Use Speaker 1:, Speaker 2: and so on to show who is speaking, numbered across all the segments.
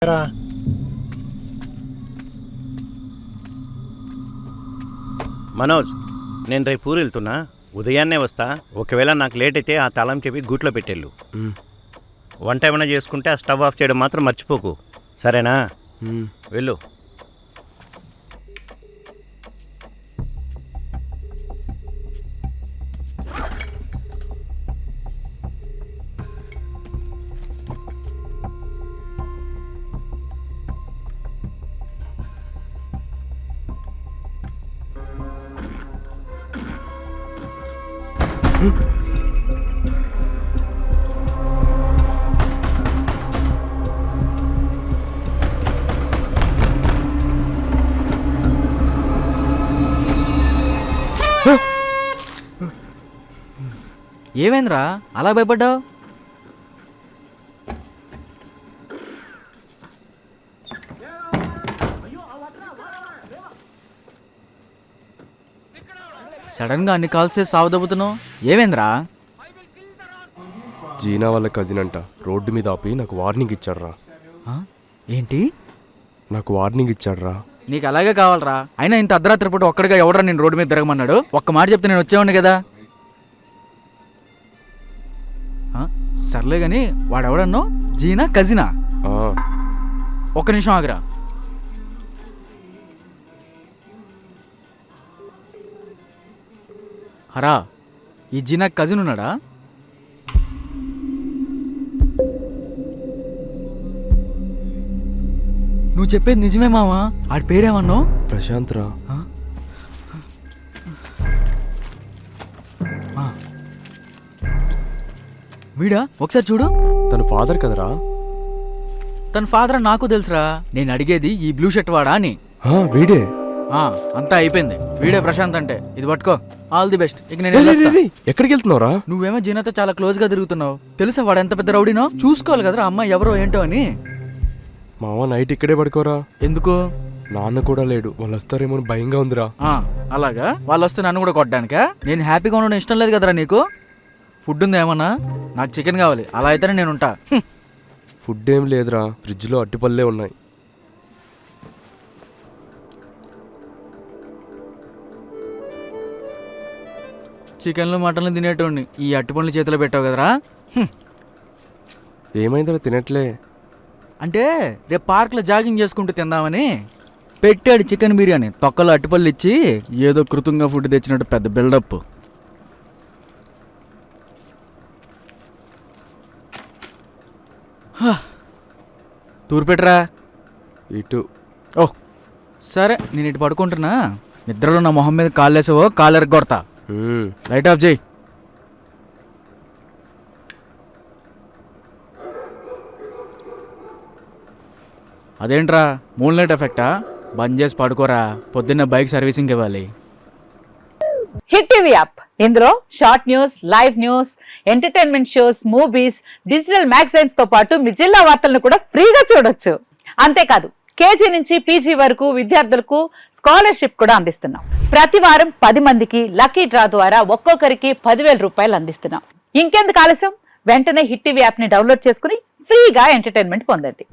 Speaker 1: మనోజ్, నేను రేపు ఊరు వెళ్తున్నా, ఉదయాన్నే వస్తా. ఒకవేళ నాకు లేట్ అయితే ఆ తాళం చెప్పి గూట్లో పెట్టేళ్ళు. వంట ఏమైనా చేసుకుంటే ఆ స్టవ్ ఆఫ్ చేయడం మాత్రం మర్చిపోకు, సరేనా? వెళ్ళు.
Speaker 2: ఏమైందిరా అలా భయపడ్డావు? సడన్ గా అన్ని కాల్స్ చేసి సావదబ్బుతున్నావు, ఏమైందిరా?
Speaker 3: జీనా వాళ్ళ కజిన్ అంట, రోడ్డు మీద ఆపి నాకు వార్నింగ్ ఇచ్చాడ్రా.
Speaker 2: ఏంటి?
Speaker 3: నాకు వార్నింగ్ ఇచ్చాడ్రా.
Speaker 2: నీకు అలాగే కావాలరా? అయినా ఇంత అర్ధరాత్రి పూట ఒక్కడిగా ఎవడరా నేను రోడ్డు మీద తిరగమన్నాడు? ఒక్క మాట చెప్తే నేను వచ్చేవాడిని కదా. సర్లే గాని వాడెవడన్నో జీనా కజినా? ఒక్క నిమిషం ఆగిరా. హరా, ఈ జీనా కజిన్ ఉన్నాడా? నువ్వు చెప్పేది నిజమే మావా? ఆడి పేరేమన్నావు?
Speaker 3: ప్రశాంత్ రా.
Speaker 2: వీడా? ఒకసారి చూడు.
Speaker 3: తన ఫాదర్ కదరా?
Speaker 2: తన ఫాదర్ నాకు తెలుసురా. నేను అడిగేది ఈ బ్లూ షర్ట్ వాడా అని.
Speaker 3: వీడే.
Speaker 2: అంతా అయిపోయింది. వీడే ప్రశాంత్ అంటే. ఇది పట్టుకో. All the best. ఇక నేను
Speaker 3: ఎక్కడికి వెళ్తున్నావురా?
Speaker 2: నువ్వేమో జీనాతో చాలా క్లోజ్ గా తిరుగుతున్నావు. తెలుసా వాడు ఎంత పెద్ద రౌడీనో? చూసుకోవాలి కదరా అమ్మాయి ఎవరో ఏంటో అని.
Speaker 3: మావా నైట్ ఇక్కడే పడుకోరా.
Speaker 2: ఎందుకు?
Speaker 3: నాన్న కూడా లేడు, వాళ్ళు వస్తారేమో భయంగా ఉందిరా.
Speaker 2: అలాగా? వాళ్ళు వస్తే నన్ను కూడా కొట్టడానికా? నేను హ్యాపీగా ఉండడం ఇష్టం లేదు కదరా నీకు? ఫుడ్ ఉంది ఏమన్నా? నాకు చికెన్ కావాలి. అలా అయితేనే నేను ఉంటా.
Speaker 3: ఫుడ్ ఏం లేదురా, ఫ్రిడ్జ్లో అట్టిపల్లే ఉన్నాయి.
Speaker 2: చికెన్లు మటన్లు తినేటోడిని ఈ అట్టిపండ్లు చేతిలో పెట్టావు కదరా.
Speaker 3: ఏమైందిరా తినట్లే?
Speaker 2: అంటే రేపు పార్క్లో జాగింగ్ చేసుకుంటూ తిందామని పెట్టాడు చికెన్ బిర్యానీ. తొక్కలో అట్టిపళ్ళు ఇచ్చి ఏదో కృతంగా ఫుడ్ తెచ్చినట్టు పెద్ద బిల్డప్. తూరు పెట్టరా.
Speaker 3: ఇటు.
Speaker 2: ఓహ్ సరే, నేను ఇటు పడుకుంటున్నా. నిద్రలో నా మొహం మీద కాళ్ళేసావో కాళ్ళెర కొడతా. లైట్ ఆఫ్ చేయి. అదేంట్రా మూన్ లైట్ ఎఫెక్టా? బంద్ చేసి పడుకోరా, పొద్దున్న బైక్ సర్వీసింగ్ ఇవ్వాలి.
Speaker 4: హిట్ టీవీ యాప్, ఇందులో short news, live news, entertainment shows, movies, digital magazines తో పాటు మీ జిల్లా వార్తలను కూడా ఫ్రీగా చూడొచ్చు. అంతేకాదు కేజీ నుంచి పీజీ వరకు విద్యార్థులకు స్కాలర్షిప్ కూడా అందిస్తున్నాం. ప్రతి వారం 10 మందికి లక్కీ డ్రా ద్వారా ఒక్కొక్కరికి 10,000 రూపాయలు అందిస్తున్నాం. ఇంకెందుకు ఆలస్యం? వెంటనే హిట్ టీవీ యాప్ ని డౌన్లోడ్ చేసుకుని ఫ్రీగా ఎంటర్టైన్మెంట్ పొందండి.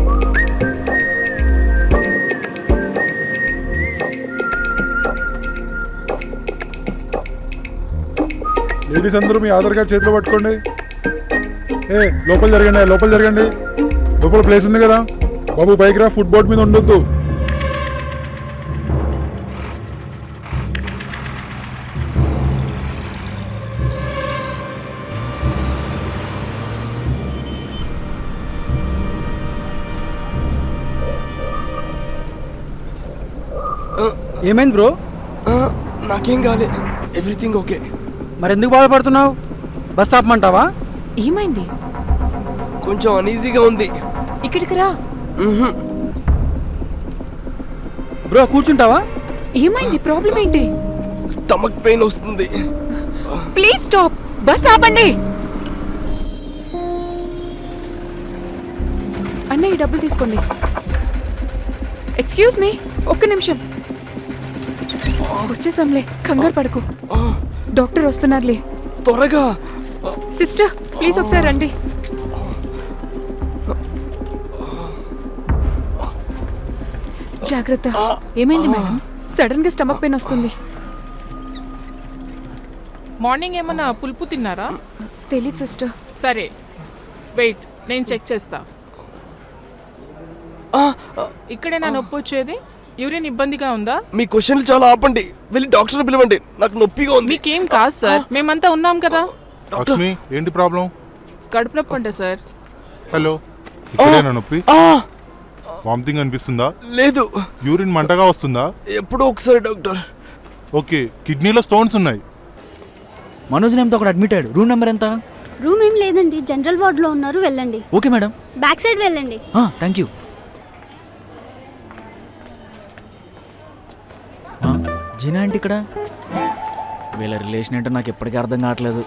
Speaker 5: లేడీస్ అందరూ మీ ఆధార్ కార్డ్ చేతిలో పట్టుకోండి. లోపల జరగండి, లోపల జరగండి. లోపల ప్లేస్ ఉంది కదా బాబు, పైకి రా. ఫుడ్ బోర్డ్ మీద ఉండొద్దు.
Speaker 2: ఏమైంది బ్రో?
Speaker 3: నాకేం కాలే, ఎవ్రీథింగ్ ఓకే.
Speaker 2: మరెందుకు బాధపడుతున్నావు? బస్ ఆపమంటావా?
Speaker 6: ఏమైంది?
Speaker 3: కొంచెం అనీజీగా ఉంది.
Speaker 6: ఇక్కడికి రా.
Speaker 2: బ్రో కూర్చుంటావా?
Speaker 6: ఏమైంది? ప్రాబ్లం ఏంటి?
Speaker 3: స్టమక్ పెయిన్ వస్తుంది.
Speaker 6: Please stop. బస్ ఆపండి. అన్నయ్య డబ్బులు తీసుకోండి. ఎక్స్క్యూజ్ మీ, ఒక్క నిమిషం. వచ్చేసాంలే, కంగారు పడకు. డాక్టర్ వస్తున్నారులే.
Speaker 3: త్వరగా.
Speaker 6: సిస్టర్ ప్లీజ్ ఒకసారి రండి. జాగ్రత్త. ఏమైంది మేడం? సడన్ గా స్టమక్ పెయిన్ వస్తుంది.
Speaker 7: మార్నింగ్ ఏమన్నా పులుపు తిన్నారా?
Speaker 6: తెలీదు సిస్టర్.
Speaker 7: సరే వెయిట్, నేను చెక్ చేస్తా. ఇక్కడే నా నొప్పి వచ్చేది. యూరిన్ ఇబ్బందిగా ఉందా?
Speaker 3: మీ క్వశ్చన్లు చాలా ఆపండి, వెళ్ళి డాక్టర్ పిలవండి, నాకు నొప్పిగా ఉంది.
Speaker 7: మీకేం కాదు సార్, మేమంతా ఉన్నాం కదా.
Speaker 5: లక్ష్మి ఏంటి ప్రాబ్లం?
Speaker 7: కడుపు నొప్పి అంటే సార్.
Speaker 5: హలో, ఇక్కడేనా నొప్పి? వామిటింగ్ అనిపిస్తుందా?
Speaker 3: లేదు.
Speaker 5: యూరిన్ మంటగా వస్తుందా?
Speaker 3: ఎప్పుడో ఒకసారి డాక్టర్.
Speaker 5: ఓకే, కిడ్నీలో స్టోన్స్ ఉన్నాయి.
Speaker 2: మనోజ్ నేమ్తో ఒకటి అడ్మిట్ అయ్యాడు. రూమ్ నెంబర్ ఎంత?
Speaker 8: రూమ్ ఏం లేదండి, జనరల్ వార్డులో ఉన్నారు, వెళ్ళండి.
Speaker 2: Okay madam.
Speaker 8: బ్యాక్ సైడ్ వెళ్ళండి.
Speaker 2: Thank you. జీనా ఏంటి ఇక్కడ? వీళ్ళ రిలేషన్ ఏంటో నాకు ఎప్పటికీ అర్థం కావట్లేదు.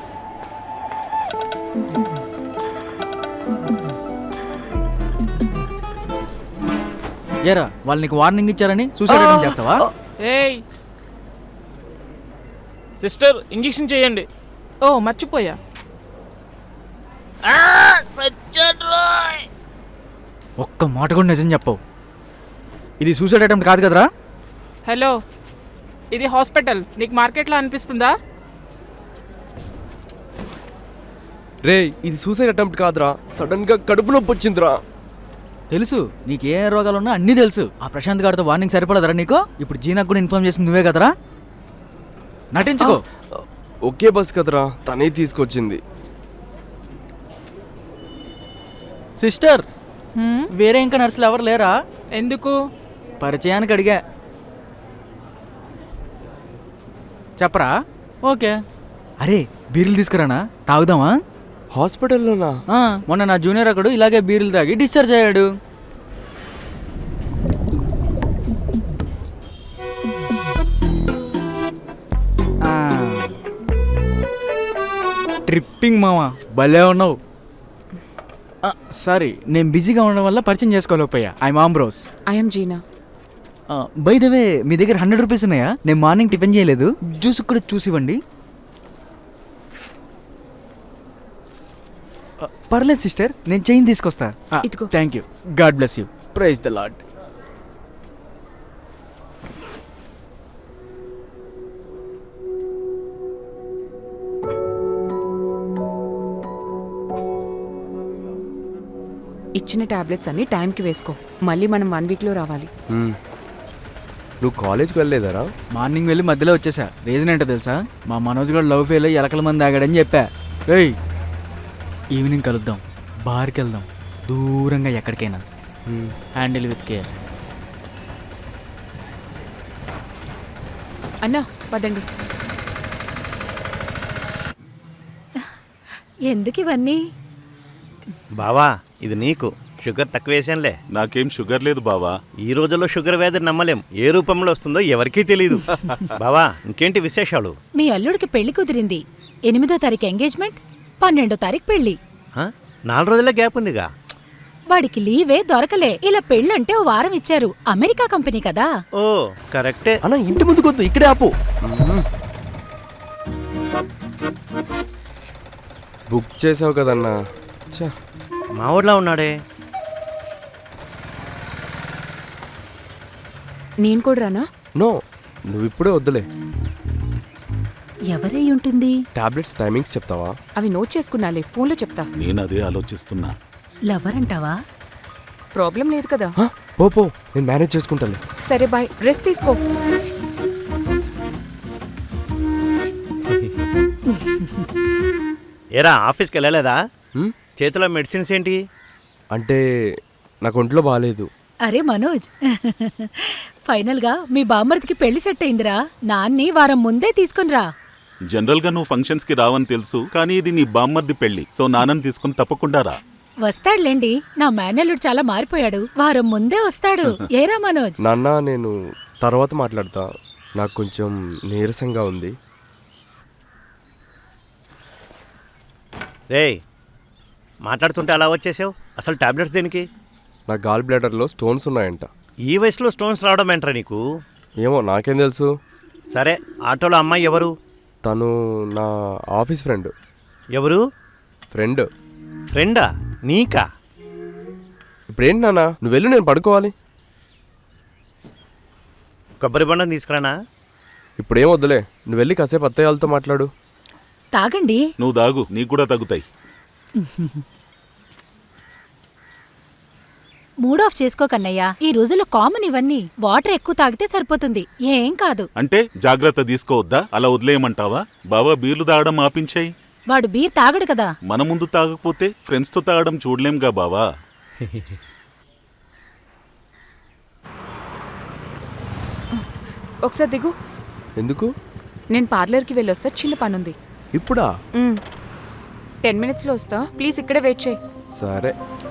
Speaker 2: ఏరా, వాళ్ళు నీకు వార్నింగ్ ఇచ్చారని సూసైడ్ అటెంప్ట్ చేస్తావా?
Speaker 7: ఏయ్
Speaker 9: సిస్టర్, ఇంజెక్షన్ చేయండి.
Speaker 7: ఓ మర్చిపోయా.
Speaker 2: ఒక్క మాట కూడా నిజం చెప్పవు. ఇది సూసైడ్ అటెంప్ట్ కాదు కదరా?
Speaker 7: హలో, ఇది హాస్పిటల్, నీకు మార్కెట్లో అనిపిస్తుందా?
Speaker 3: రే, ఇది సూసైడ్ అటెంప్ట్ కాదురా, సడన్ గా కడుపు నొప్పి వచ్చిందిరా.
Speaker 2: తెలుసు, నీకు ఏ రోగాలు ఉన్నా అన్నీ తెలుసు. ఆ ప్రశాంత్ గారితో వార్నింగ్ సరిపడదరా నీకు? ఇప్పుడు జీనాకు కూడా ఇన్ఫార్మ్ చేసింది నువ్వే కదరా? నటించుకో.
Speaker 3: ఒకే బస్ కదరా, తనే తీసుకొచ్చింది.
Speaker 2: సిస్టర్, వేరే ఇంకా నర్సులు ఎవరు లేరా?
Speaker 7: ఎందుకు?
Speaker 2: పరిచయానికి అడిగా. చెప్పరా? ఓకే. అరే, బీర్లు తీసుకురానా? తాగుదామా?
Speaker 3: హాస్పిటల్లోనా?
Speaker 2: మొన్న నా జూనియర్ అక్కడు ఇలాగే బీర్లు తాగి డిశ్చార్జ్ అయ్యాడు. ట్రిప్పింగ్ మావా, భలే ఉన్నావు. సారీ, నేను బిజీగా ఉండడం వల్ల పరిచయం చేసుకోలేకపోయా. I'm Ambrose.
Speaker 6: I'm Gina.
Speaker 2: By the way, మీ దగ్గర 100 రూపీస్ ఉన్నాయా? నేను మార్నింగ్ టిఫిన్ చేయలేదు, జ్యూస్ కూడా చూసివ్వండి. పర్లేదు సిస్టర్, నేను చైన్ తీసుకొస్తా.
Speaker 6: ఇదిగో.
Speaker 2: Thank you. God bless you. Praise the lord.
Speaker 6: ఇచ్చిన టాబ్లెట్స్ అన్ని టైంకి వేసుకో. మళ్ళీ మనం 1 వీక్లో రావాలి.
Speaker 3: నువ్వు కాలేజ్కి వెళ్ళలేదరా?
Speaker 2: మార్నింగ్ వెళ్ళి మధ్యలో వచ్చేసా. రీజన్ ఏంటో తెలుసా? మా మనోజ్ గారు లవ్ ఫెయిల్ అయ్యి ఎలకల మంది ఆగాడని చెప్పా. రేయ్, ఈవినింగ్ కలుద్దాం, బార్కి వెళ్దాం, దూరంగా ఎక్కడికైనా. Handle with care.
Speaker 6: అన్నా పదండి.
Speaker 4: ఎందుకు ఇవన్నీ?
Speaker 1: బావా, ఇది నీకు. షుగర్ తక్కువ వేసానులే.
Speaker 10: నాకేం షుగర్ లేదు బావా.
Speaker 1: ఈ రోజుల్లో షుగర్ వ్యాధి నమ్మలేం, ఏ రూపంలో వస్తుందో ఎవరికీ తెలియదు. బావా, ఇంకేంటి విశేషాలు?
Speaker 4: మీ అల్లుడికి పెళ్లి కుదిరింది. 8వ తారీఖు ఎంగేజ్మెంట్, 12వ తారీఖు పెళ్లి.
Speaker 1: 4 రోజుల గ్యాప్ ఉందిగా.
Speaker 4: వాడికి లీవే దొరకలే. ఇలా పెళ్ళంటే ఓ వారం ఇచ్చారు. అమెరికా కంపెనీ కదా.
Speaker 1: ఓ కరెక్టే.
Speaker 3: అన్న, ఇంటి ముందు కొద్దు, ఇక్కడే ఆపు. బుక్ చేసావు కదన్నా.
Speaker 1: మా ఊర్లో ఉన్నాడే.
Speaker 6: నేను కూడా రానా?
Speaker 3: నో, నువ్వు ఇప్పుడే వద్దులే.
Speaker 4: ఎవరై ఉంటుంది?
Speaker 3: టాబ్లెట్స్ టైమింగ్స్ చెప్తావా?
Speaker 6: అవి నోట్ చేసుకున్నాలే, ఫోన్లో చెప్తా.
Speaker 10: నేను అదే ఆలోచిస్తున్నా.
Speaker 4: లవర్ అంటావా?
Speaker 6: ప్రాబ్లం లేదు కదా.
Speaker 3: పో, నేను మేనేజ్ చేసుకుంటాను.
Speaker 6: సరే బాయ్, రెస్ట్ తీసుకో.
Speaker 1: ఏరా, ఆఫీస్కి వెళ్ళలేదా? చేతిలో మెడిసిన్స్ ఏంటి?
Speaker 3: అంటే నాకు ఒంట్లో బాగాలేదు.
Speaker 4: అరే మనోజ్, ఫైనల్ గా మీ బామ్మర్దికి పెళ్లి సెట్ అయిందిరా. నాన్ని వారం ముందే తీసుకునిరా.
Speaker 10: జనరల్ గా నువ్వు ఫంక్షన్స్ కి రావని తెలుసు, కానీ ఇది నీ బామ్మర్ది పెళ్లి, సో నాన్నని తీసుకుని తప్పకుండా రా.
Speaker 4: వస్తాడులేండి, నా మేనల్లుడు చాలా మారిపోయాడు. వారం ముందే వస్తాడు. ఏరా మనోజ్?
Speaker 3: నాన్న, నేను తర్వాత మాట్లాడతా, నాకు కొంచెం నీరసంగా ఉంది.
Speaker 1: రేయ్, మాట్లాడుతుంటే అలా వచ్చేసావు. అసలు టాబ్లెట్స్ దేనికి?
Speaker 3: నా గాల్ బ్లాడర్లో స్టోన్స్ ఉన్నాయంట.
Speaker 1: ఈ వయసులో స్టోన్స్ రావడం ఏంట్రా నీకు?
Speaker 3: ఏమో, నాకేం తెలుసు.
Speaker 1: సరే, ఆటోలో అమ్మాయి ఎవరు?
Speaker 3: తను నా ఆఫీస్ ఫ్రెండ్.
Speaker 1: ఎవరు?
Speaker 3: ఫ్రెండ్.
Speaker 1: ఫ్రెండా? నీకా?
Speaker 3: ఇప్పుడేంటి నాన్న, నువ్వు వెళ్ళు, నేను పడుకోవాలి.
Speaker 1: కొబ్బరి బొండం తీసుకురానా?
Speaker 3: ఇప్పుడేం వద్దులే, నువ్వు వెళ్ళి కాసేపు అత్తయ్య వాళ్ళతో మాట్లాడు.
Speaker 6: తాగండి.
Speaker 10: నువ్వు దాగు, నీకు కూడా తగ్గుతాయి.
Speaker 6: మూడ్ ఆఫ్ చేసుకోకన్నయ్యా, ఈ రోజుల్లో కామన్ ఇవన్నీ. వాటర్ ఎక్కువ తాగితే సరిపోతుంది, ఏం కాదు.
Speaker 10: అంటే జాగ్రత్త తీసుకోవద్దా? అలా వదిలేయమంటావా? బావా బీర్లు తాగడం ఆపించాయి.
Speaker 6: వాడు బీర్ తాగడు కదా.
Speaker 10: మన ముందు తాగకపోతే ఫ్రెండ్స్తో తాగడం చూడలేంగా బావా.
Speaker 6: ఒకసారి దిగు.
Speaker 3: ఎందుకు?
Speaker 6: నేను పార్లర్కి వెళ్ళొస్తా, చిన్న పనుంది.
Speaker 3: ఇప్పుడా?
Speaker 6: 10 minutesలో వస్తా, ప్లీజ్ ఇక్కడే వెయిట్ చేయి.
Speaker 3: సరే.